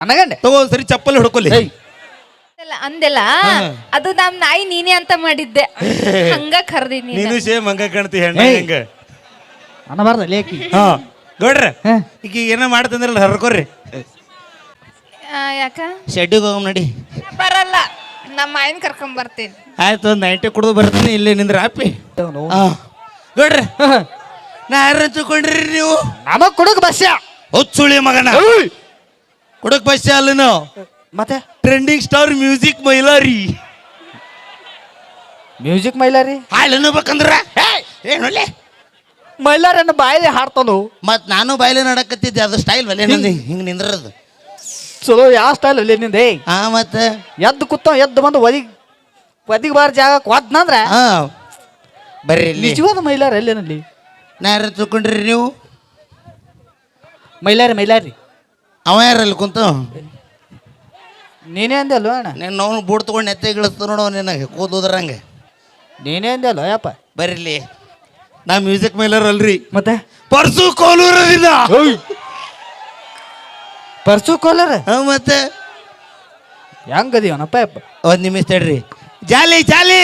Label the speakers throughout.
Speaker 1: ಅನ್ನಗಂಡೆ
Speaker 2: ತಗೋ ಸರಿ ಚಪ್ಪಲಿ ಹೊಡ್ಕೊಲಿ
Speaker 3: ಅಂದೆಲ್ಲ ಅದು ನಮ್ ನಾಯಿ ನೀನೇ ಅಂತ ಮಾಡಿದ್ದೆ ಹಂಗ ಕರ್ದಿನಿ
Speaker 2: ನೀನು ಸೇಮ್ ಹಂಗ ಕಾಣ್ತಿ ಹೆಣ್ಣ ಹಂಗ
Speaker 1: ಅನ್ನಬಾರ್ದ ಲೇಕಿ
Speaker 2: ಹಾ ಗೌಡ್ರ ಈಗ ಏನೋ ಮಾಡ್ತಂದ್ರಲ್ಲ ಹರ್ಕೋರಿ
Speaker 3: ಯಾಕ
Speaker 2: ಶೆಡ್ಡಿಗೆ ಹೋಗಮ್ ನಡಿ
Speaker 3: ಬರಲ್ಲ ನಮ್ಮ ಆಯನ್ ಕರ್ಕೊಂಡ್ ಬರ್ತೀನಿ
Speaker 2: ಆಯ್ತು ಒಂದು 90 ಕುಡಿದು ಬರ್ತೀನಿ ಇಲ್ಲಿ ನಿಂದ್ರ ಆಪಿ ಗೌಡ್ರ ನಾ ಯಾರ ತಗೊಂಡ್ರಿ ನೀವು
Speaker 1: ನಮಗ್ ಕುಡುಕ್ ಬಸ್ಯ
Speaker 2: ಹೊಚ್ಚುಳಿ ಮಗನ ಕುಡಕ್ ಬಸ್ ಅಲ್ಲ ನಾವು
Speaker 1: ಮತ್ತೆ
Speaker 2: trending star music Mailari
Speaker 1: music Mailari
Speaker 2: ಹಾಳು ಅನ್ನಬೇಕಂದ್ರ ಏನೊಳ್ಳೆ
Speaker 1: ಮೈಲಾರನ್ನ ಬಾಯಿಲೆ ಹಾಡ್ತಾನು
Speaker 2: ಮತ್ ನಾನು ಬಾಯ್ಲೆ ನಡಕತ್ತಿದ್ದೆ ಅದು ಸ್ಟೈಲ್ ಒಲೆ ನಂದಿ ಹಿಂಗ್ ನಿಂದ್ರದು
Speaker 1: ಚಲೋ ಯಾವ ಸ್ಟೈಲ್ ಅಲ್ಲಿ ನಿಂದೆ
Speaker 2: ಹಾ ಮತ್ತೆ
Speaker 1: ಎದ್ದು ಕೂತ ಎದ್ದು ಬಂದು ಒದಿಗೆ ಬಾರ ಜಾಗ ಕೊದ್ನಂದ್ರ
Speaker 2: ಹಾ ಬರ್ರಿ ಇಲ್ಲಿ
Speaker 1: ನಿಜವಾದ ಮೈಲಾರ ಎಲ್ಲೇನಲ್ಲಿ
Speaker 2: ನಾ ಯಾರ ತಿಳ್ಕೊಂಡ್ರಿ ನೀವು
Speaker 1: ಮೈಲಾರಿ
Speaker 2: ಅವ ಯಾರಲ್ಲಿ ಕುಂತ
Speaker 1: ನೀನೇ ಅಂದೆ ಅಲ್ವ ಅಣ್ಣ
Speaker 2: ನೀನು ನಾವು ಬೂಟ್ ತಗೊಂಡು ನೆತ್ತೆ ಗಿಳಿಸ್ತು ನೋಡು ನಿನಗೆ ಕೂದೋದ್ರಂಗೆ
Speaker 1: ನೀನೇ ಅಂದೆ ಅಲ್ವ ಯಪ್ಪ
Speaker 2: ಬರ್ರಿ ನಾ ಮ್ಯೂಸಿಕ್ ಮೈಲರ್ ಅಲ್ರಿ
Speaker 1: ಮತ್ತೆ
Speaker 2: ಪರ್ಸು ಕೋಲೂರದಿಂದ
Speaker 1: ಪರ್ಸು ಕೋಲರ್
Speaker 2: ಮತ್ತೆ
Speaker 1: ಹೆಂಗದೀವನಪ್ಪ ಯಪ್ಪ
Speaker 2: ಒಂದು ನಿಮಿಷ ತಡ್ರಿ ಜಾಲಿ ಜಾಲಿ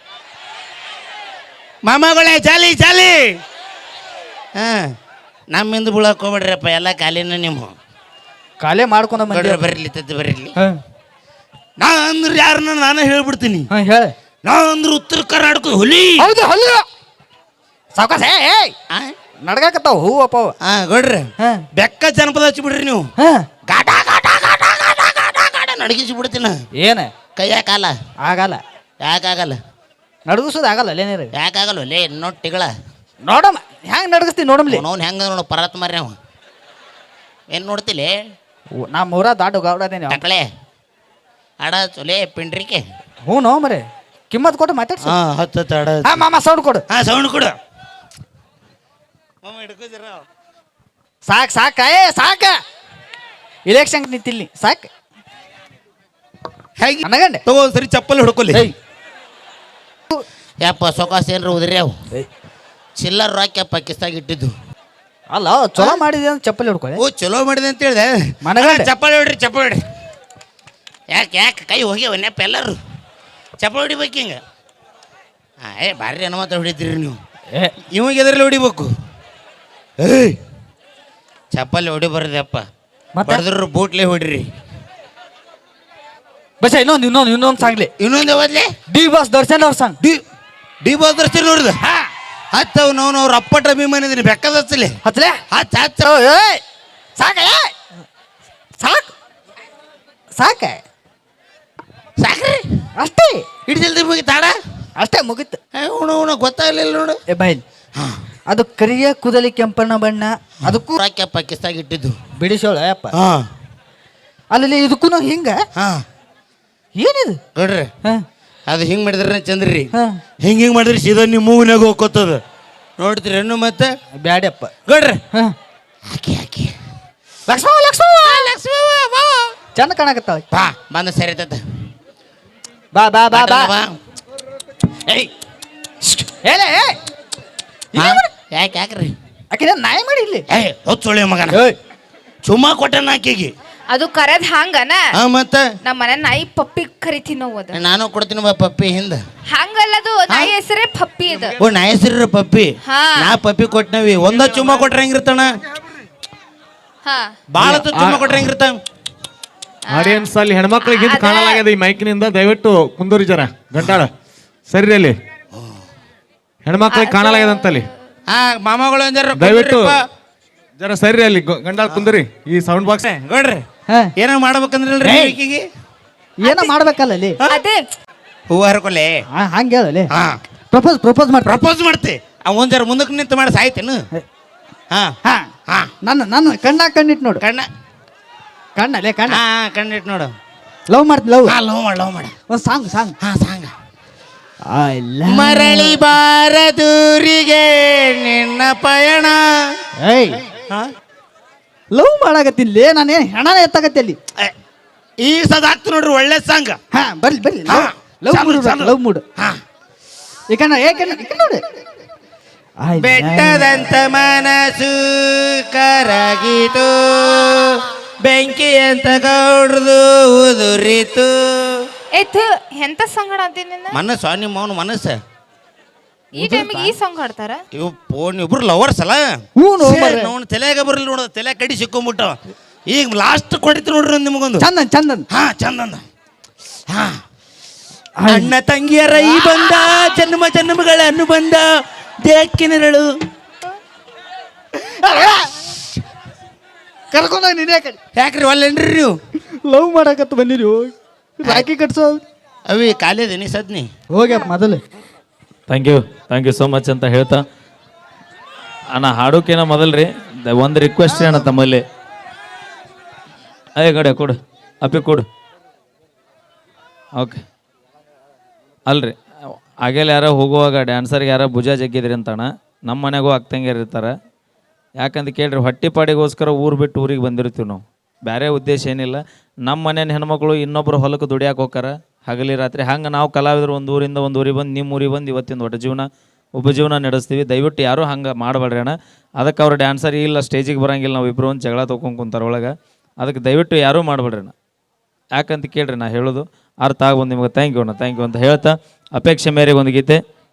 Speaker 2: ಮಾಮಗಳೇ ಜಾಲಿ ಜಾಲಿ ಹಾಂ ನಮ್ಮಿಂದ ಬೀಳಕ್ಕೆ ಹೋಗ್ಬೇಡ್ರಪ್ಪ ಎಲ್ಲ ಖಾಲಿನ ನಿಮ್ಮ
Speaker 1: ಕಾಲೇ ಮಾಡ್ಕೊಂಡ ಮಂದಿ
Speaker 2: ಬರಲಿ ತದ್ದು ಬರಲಿ ನಾ ಅಂದ್ರೆ ಯಾರನ್ನ ನಾನು ಹೇಳ್ಬಿಡ್ತೀನಿ
Speaker 1: ಹೇಳ
Speaker 2: ನಾ ಅಂದ್ರೆ ಉತ್ತರ ಕರ್ನಾಟಕ ಹುಲಿ
Speaker 1: ಹೌದು ಹೌದು ಸಾವಕಾಶ ನಡ್ಗಾಕತ್ತಾವ ಹೂ ಅಪ್ಪ
Speaker 2: ಗೌಡ್ರಿ ಬೆಕ್ಕ ಜನಪದ ಹಚ್ಚಿಬಿಡ್ರಿ ನೀವು ಗಾಟ ಗಾಟ ಗಾಟ ಗಾಟ ಗಾಟ ಗಾಟ ನಡಗಿಸಿ ಬಿಡ್ತೀನ
Speaker 1: ಏನ
Speaker 2: ಕೈಯ ಕಾಲ
Speaker 1: ಆಗಲ್ಲ
Speaker 2: ಯಾಕಾಗಲ್ಲ
Speaker 1: ನಡಗಿಸೋದು ಆಗಲ್ಲ ಅಲ್ಲೇನೇರಿ
Speaker 2: ಯಾಕಾಗಲ್ಲ ಲೇ ನೋಟಿಗಳ
Speaker 1: ನೋಡಮ್ಮ ಹೆಂಗ್ ನಡಗಿಸ್ತೀವಿ ನೋಡಮ್ಲಿ
Speaker 2: ಅವ್ನು ಹೆಂಗ ನೋಡು ಪರತ್ ಮಾರ್ರಿ ಅವ ಏನು ನೋಡ್ತಿಲಿ
Speaker 1: ನಾ ಮೂರ ದಾಟು ಗೌಡದೇನೆ
Speaker 2: ಟಕಳೆ ಅಡ ಚೊಲೆ ಪಿಂಡ್ರಿಕೆ
Speaker 1: ಹ್ಞೂ ನೋ ಮರೆ ಕಿಮ್ಮತ್ ಕೊಟ್ಟು ಮಾತಾಡ್ಸ
Speaker 2: ಹಾಂ ಹತ್ತು ಅಡ
Speaker 1: ಮಾಮ ಸೌಂಡ್ ಕೊಡು
Speaker 2: ಸೌಂಡ್ ಕೊಡು
Speaker 1: ಸಾಕ್ ಸಾಕ ಸಾಕ ಇಲೆಕ್ಷನ್ ನಿಂತಿಲ್ಲಿ ಸಾಕ್
Speaker 2: ಹೇಗೆ
Speaker 1: ಅನ್ನಗಂಡೆ
Speaker 2: ತಗೋ ಸರಿ ಚಪ್ಪಲಿ ಹೊಡ್ಕೊಲಿ ಯಪ್ಪ ಸೊಕಾಸ ಏನ್ರ ಉದ್ರಿ ಅವು ಚಿಲ್ಲರ್ ರಾಕ್ಯಪ್ಪ ಕಿಸ್ತಾಗ ಇಟ್ಟಿದ್ದು
Speaker 1: ಅಲ್ಲ ಚಲೋ ಮಾಡಿದೆ ಅಂತ ಚಪ್ಪಲಿ ಹೊಡ್ಕೊಳ್ಳಿ
Speaker 2: ಓ ಚಲೋ ಮಾಡಿದೆ ಅಂತ ಹೇಳಿದೆ
Speaker 1: ಮನಗಂಡೆ
Speaker 2: ಚಪ್ಪಲಿ ಹೊಡ್ರಿ ಚಪ್ಪಲಿ ಹೊಡ್ರಿ ಯಾಕೆ ಕೈ ಹೋಗ್ಯಾವ ನೆಪ್ಪ ಎಲ್ಲರೂ ಚಪ್ಪಲಿ ಹೊಡಿಬೇಕು ಹಿಂಗೆ ಭಾರಿ ಅನುಮತ ಹೊಡಿತೀರಿ ನೀವು ಇವಾಗ ಎದ್ರಲ್ಲಿ ಹೊಡಿಬೇಕು ಏಯ್ ಚಪ್ಪಲಿ ಹೊಡಿಬಾರ್ದಪ್ಪ ಬಡದ್ರ ಬೂಟ್ಲೆ ಹೊಡ್ರಿ
Speaker 1: ಬಸ್ ಇನ್ನೊಂದು ಸಾಂಗ್ಲಿ
Speaker 2: ಇನ್ನೊಂದು ಯಾವದ್ಲೆ
Speaker 1: ಡಿ ಬಾಸ್ ದರ್ಶನ್ ಅವ್ರ ಸಾಂಗ್
Speaker 2: ಡಿ ಬಾಸ್ ದರ್ಶನ್ ನೋಡಿದ ಹತ್ತವ್ ನಾವು ಅವ್ರ ಅಪ್ಪಟ ಅಭಿಮಾನಿ ಇದೀನಿ ಬೆಕ್ಕದ ಹಚ್ಚಲಿ
Speaker 1: ಹತ್ಲೆ
Speaker 2: ಹಚ್ಚ
Speaker 1: ಸಾಕ ಸಾಕು ಸಾಕ
Speaker 2: ಸಾಕ್ರಿ
Speaker 1: ಅಷ್ಟೇ
Speaker 2: ಇಟ್ಟು ಜಲ್ದಿ ಮುಗಿತಾಡ
Speaker 1: ಅಷ್ಟೇ ಮುಗಿತು
Speaker 2: ಉಣ ಗೊತ್ತಾಗ್ಲಿಲ್ಲ ನೋಡು
Speaker 1: ಏ ಬೈಲ್ ಅದು ಕರಿಯ ಕೂದಲಿ ಕೆಂಪಣ್ಣ ಬಣ್ಣ ಅದಕ್ಕೂ
Speaker 2: ರಾಕ್ಯಪ್ಪ ಕಿಸ್ತಾಗ ಇಟ್ಟಿದ್ದು
Speaker 1: ಬಿಡಿಸೋಳ ಅಪ್ಪ
Speaker 2: ಹಾ
Speaker 1: ಅಲ್ಲಿ ಇದಕ್ಕೂ ಹಿಂಗ
Speaker 2: ಹಾ
Speaker 1: ಏನಿದು
Speaker 2: ನೋಡ್ರಿ ಅದು ಹಿಂಗೆ ಮಾಡಿದ್ರೆ ಚಂದ್ರಿ
Speaker 1: ಹಾ
Speaker 2: ಹಿಂಗೆ ಮಾಡಿದ್ರೆ ಸೀದಾ ನಿಮ್ಮ ಮೂವಿನಾಗ ಹೋಗ್ಕೋತದ ನೋಡ್ತೀರಿ ಹೆಣ್ಣು ಮತ್ತೆ
Speaker 1: ಬ್ಯಾಡಪ್ಪ
Speaker 2: ಗೌಡ್ರಿ
Speaker 1: ಹಾ
Speaker 2: ಹಾಕಿ ಹಾಕಿ
Speaker 1: ಲಕ್ಷ್ಮವ್ವ ಚಂದ ಕಾಣಕತ್ತಾಳ
Speaker 2: ಬಾ ಬಂದ ಸರಿ ತತ್ತ
Speaker 1: ಬಾ ಬಾ ಬಾ ಬಾ
Speaker 2: ಬಾ
Speaker 1: ಏಯ್ ಹೇಳೇ
Speaker 2: ಯಾಕ್ರಿ
Speaker 1: ಆಕೆ ನಾಯಿ ಮಾಡಿ ಇಲ್ಲಿ
Speaker 2: ಹೊಚ್ಚೊಳ್ಳೆ ಮಗನ ಚುಮ್ಮಾ ಕೊಟ್ಟನ ಆಕೆಗೆ
Speaker 3: ಅದು ಕರೆದ್ ಹಂಗನ
Speaker 2: ಹಾ ಮತ್ತೆ
Speaker 3: ನಮ್ಮ ಮನೆ ನಾಯಿ ಪಪ್ಪಿ ಕರಿತೀವಿ ನಾವು ಅದ
Speaker 2: ನಾನು ಕೊಡ್ತೀನಿ ಬಾ ಪಪ್ಪಿ ಹಿಂದ
Speaker 3: ಹಂಗಲ್ಲದು ನಾಯಿ ಹೆಸರೇ ಪಪ್ಪಿ ಇದು
Speaker 2: ಓ ನಾ ಹೆಸರು ಪಪ್ಪಿ
Speaker 3: ಹಾ.
Speaker 2: ನಾ ಪಪ್ಪಿ ಕೊಟ್ಟನವಿ ಒಂದ ಚುಮ್ಮಾ ಕೊಟ್ರೆ ಹೆಂಗಿರ್ತಾನ
Speaker 3: ಹಾ
Speaker 2: ಬಾಳ ಚುಮ್ಮಾ ಕೊಟ್ರೆ ಹೆಂಗಿರ್ತಾನ
Speaker 4: ಆಡಿಯನ್ಸ್ ಅಲ್ಲಿ ಹೆಣ್ಮಕ್ಳಿಗೆ ಹಿಂದೆ ಕಾಣಲಾಗ್ಯದ ಈ ಮೈಕ್ನಿಂದ ದಯವಿಟ್ಟು ಕುಂದೂರಿ ಜರ ಗಂಟಾಳ ಸರಿ ಅಲ್ಲಿ ಹೆಣ್ಮಕ್ಳಿಗೆ ಕಾಣಲಾಗ್ಯದಂತಲ್ಲಿ
Speaker 2: ಹಾ ಮಾಮಗಳು
Speaker 4: ದಯವಿಟ್ಟು ಜರ ಸರಿ ಅಲ್ಲಿ ಗಂಟಾಳ ಕುಂದರಿ ಈ ಸೌಂಡ್ ಬಾಕ್ಸ್
Speaker 2: ಗೌಡ್ರಿ ಏನೋ ಮಾಡ್ಬೇಕಂದ್ರಲ್ರಿ ಈಕಿಗೆ
Speaker 1: ಏನೋ ಮಾಡ್ಬೇಕಲ್ಲ ಅಲ್ಲಿ
Speaker 3: ಅದೇ
Speaker 2: ಹೂವ ಹರ್ಕೊಲೆ
Speaker 1: ಹಂಗ ಹೇಳಲಿ
Speaker 2: ಹಾ
Speaker 1: ಪ್ರಪೋಸ್ ಮಾಡಿ
Speaker 2: ಪ್ರಪೋಸ್ ಮಾಡ್ತಿ ಒಂದ್ ಜರ ಮುಂದಕ್ಕೆ ನಿಂತು ಮಾಡಿ ಸಾಯ್ತೇನು ಹಾ
Speaker 1: ಹಾ
Speaker 2: ಹಾ
Speaker 1: ನನ್ನ ಕಣ್ಣಿಟ್ಟು ನೋಡು
Speaker 2: ಕಣ್ಣ
Speaker 1: ಕಣ್ಣಲ್ಲೇ ಕಣ್ಣ
Speaker 2: ಹಾ ಕಣ್ಣಿಟ್ಟು ನೋಡು
Speaker 1: ಲವ್ ಮಾಡ್ತೀನಿ ಲವ್
Speaker 2: ಹಾ ಲವ್ ಮಾಡ
Speaker 1: ಒಂದು ಸಾಂಗ್
Speaker 2: ಹಾ ಸಾಂಗ
Speaker 1: ಐ ಲವ್
Speaker 2: ಮರಳಿ ಬಾರದೂರಿಗೆ ನಿನ್ನ ಪಯಣ
Speaker 1: ಏಯ್ ಲವ್ ಮಾಡಾಕತ್ತಿಲ್ಲ ನಾನೇನು ಹೆಣನ ಎತ್ತಾಗತ್ತೆ ಅಲ್ಲಿ
Speaker 2: ಈ ಸದಾಕ್ತು ನೋಡ್ರಿ ಒಳ್ಳೆ ಸಾಂಗ್
Speaker 1: ಹಾ ಬರ್ಲಿ ಲವ್ ಮೂಡ್
Speaker 2: ಹಾ
Speaker 1: ಈ ಕಣ್ಣ ನೋಡಿ
Speaker 2: ಬೆಟ್ಟದಂತ ಮನಸ್ಸು ಕರಗಿತು ಬೆಂಕಿ ಅಂತ ಗೌಡ್ರದು ಉದುರಿತು.
Speaker 3: ಏತು ಎಂತ ಸಾಂಗ್ ಹಾಡ್ತೀನಿ ನಿನ್ನ
Speaker 2: ಮನಸ್ಸು ನಿಮ್ಮ ಅವನು ಮನಸ್ಸು.
Speaker 3: ಈ ಟೈಮಿಗೆ ಈ ಸಾಂಗ್ ಹಾಡ್ತಾರ?
Speaker 2: ಇವು ಫೋನ್ ಇಬ್ರು ಲವರ್ಸ್ ಅಲ್ಲ.
Speaker 1: ಹ್ಞೂ
Speaker 2: ನೋಡ್ ತಲೆಯಾಗ ಬರಲಿ ನೋಡ, ತಲೆ ಕಡಿ ಸಿಕ್ಕೊಂಬಿಟ್ಟು. ಈಗ ಲಾಸ್ಟ್ ಕೊಡಿತು ನೋಡ್ರಿ ನಿಮಗೊಂದು
Speaker 1: ಚಂದನ್ ಚಂದನ್.
Speaker 2: ಹಾ ಚಂದಂದ. ಹಾ ಅಣ್ಣ ತಂಗಿಯರ ಈ ಬಂದ, ಜನ್ಮ ಜನ್ಮಗಳ ಅನುಬಂಧ ದೇಕ್ಕಿನರಳು.
Speaker 1: ಕರ್ಕೊಂಡೋಗಿ ನೀನೇ ಕಡೆ
Speaker 2: ಯಾಕ್ರಿ ಒಲ್ಲೇನ್ರಿ ನೀವು?
Speaker 1: ಲವ್ ಮಾಡಕತ್ತ ಬಂದಿರಿ, ರಾಖಿ ಕಟ್ಸೋ
Speaker 2: ಅವಿ ಕಾಲೇದೇನಿ ಸದ್ನಿ
Speaker 1: ಹೋಗ್ಯಪ್ಪ ಮೊದಲು.
Speaker 5: ಥ್ಯಾಂಕ್ ಯು ಸೋ ಮಚ್ ಅಂತ ಹೇಳ್ತಾ ಅಣ್ಣ ಹಾಡೋಕೇನ ಮೊದಲ್ರಿ ಒಂದು ರಿಕ್ವೆಸ್ಟ್ ಅಣ್ಣ ತಮ್ಮಲ್ಲಿ. ಅಯ್ಯ ಗಡೆ ಕೊಡು, ಅಪ್ಪಿ ಕೊಡು. ಓಕೆ ಅಲ್ರಿ, ಆಗೇಲಿ ಯಾರೋ ಹೋಗುವಾಗ ಡ್ಯಾನ್ಸರ್ಗೆ ಯಾರೋ ಭುಜ ಜಗ್ಗಿದ್ರಿ ಅಂತಣ್ಣ. ನಮ್ಮ ಮನೆಗೂ ಅಕ್ಕಂಗಿಯರು ಇರ್ತಾರೆ. ಯಾಕಂತ ಕೇಳ್ರಿ, ಹೊಟ್ಟೆ ಪಾಡಿಗೋಸ್ಕರ ಊರು ಬಿಟ್ಟು ಊರಿಗೆ ಬಂದಿರ್ತೀವಿ ನಾವು. ಬೇರೆ ಉದ್ದೇಶ ಏನಿಲ್ಲ. ನಮ್ಮ ಮನೇನ ಹೆಣ್ಮಕ್ಳು ಇನ್ನೊಬ್ರು ಹೊಲಕ್ಕೆ ದುಡಿಯಾಕೆ ಹೋಗಾರ ಹಗಲಿ ರಾತ್ರಿ. ಹಂಗೆ ನಾವು ಕಲಾವಿದರು ಒಂದು ಊರಿಂದ ಒಂದು ಊರಿಗೆ ಬಂದು ನಿಮ್ಮ ಊರಿಗೆ ಬಂದು ಇವತ್ತಿನ ಒಟ್ಟು ಜೀವನ ಉಪಜೀವನ ನಡೆಸ್ತೀವಿ. ದಯವಿಟ್ಟು ಯಾರೂ ಹಂಗೆ ಮಾಡಬೇಡ್ರಿ ಅಣ್ಣ. ಅದಕ್ಕೆ ಅವ್ರು ಡ್ಯಾನ್ಸರ್ ಇಲ್ಲ, ಸ್ಟೇಜಿಗೆ ಬರೋಂಗಿಲ್ಲ, ನಾವು ಇಬ್ಬರು ಒಂದು ಜಗಳ ತೊಗೊಂಡು ಕುಂತಾರೆ ಒಳಗೆ. ಅದಕ್ಕೆ ದಯವಿಟ್ಟು ಯಾರೂ ಮಾಡಬೇಡ್ರಿ ಅಣ್ಣ. ಯಾಕಂತ ಕೇಳ್ರಿ ನಾ ಹೇಳೋದು ಅರ್ಥ ಆಗ್ಬೋದು ನಿಮ್ಗೆ. ಥ್ಯಾಂಕ್ ಯು ಅಣ್ಣ, ಥ್ಯಾಂಕ್ ಯು ಅಂತ ಹೇಳ್ತಾ ಅಪೇಕ್ಷೆ ಮೇರೆಗೆ ಒಂದು ಗೀತೆ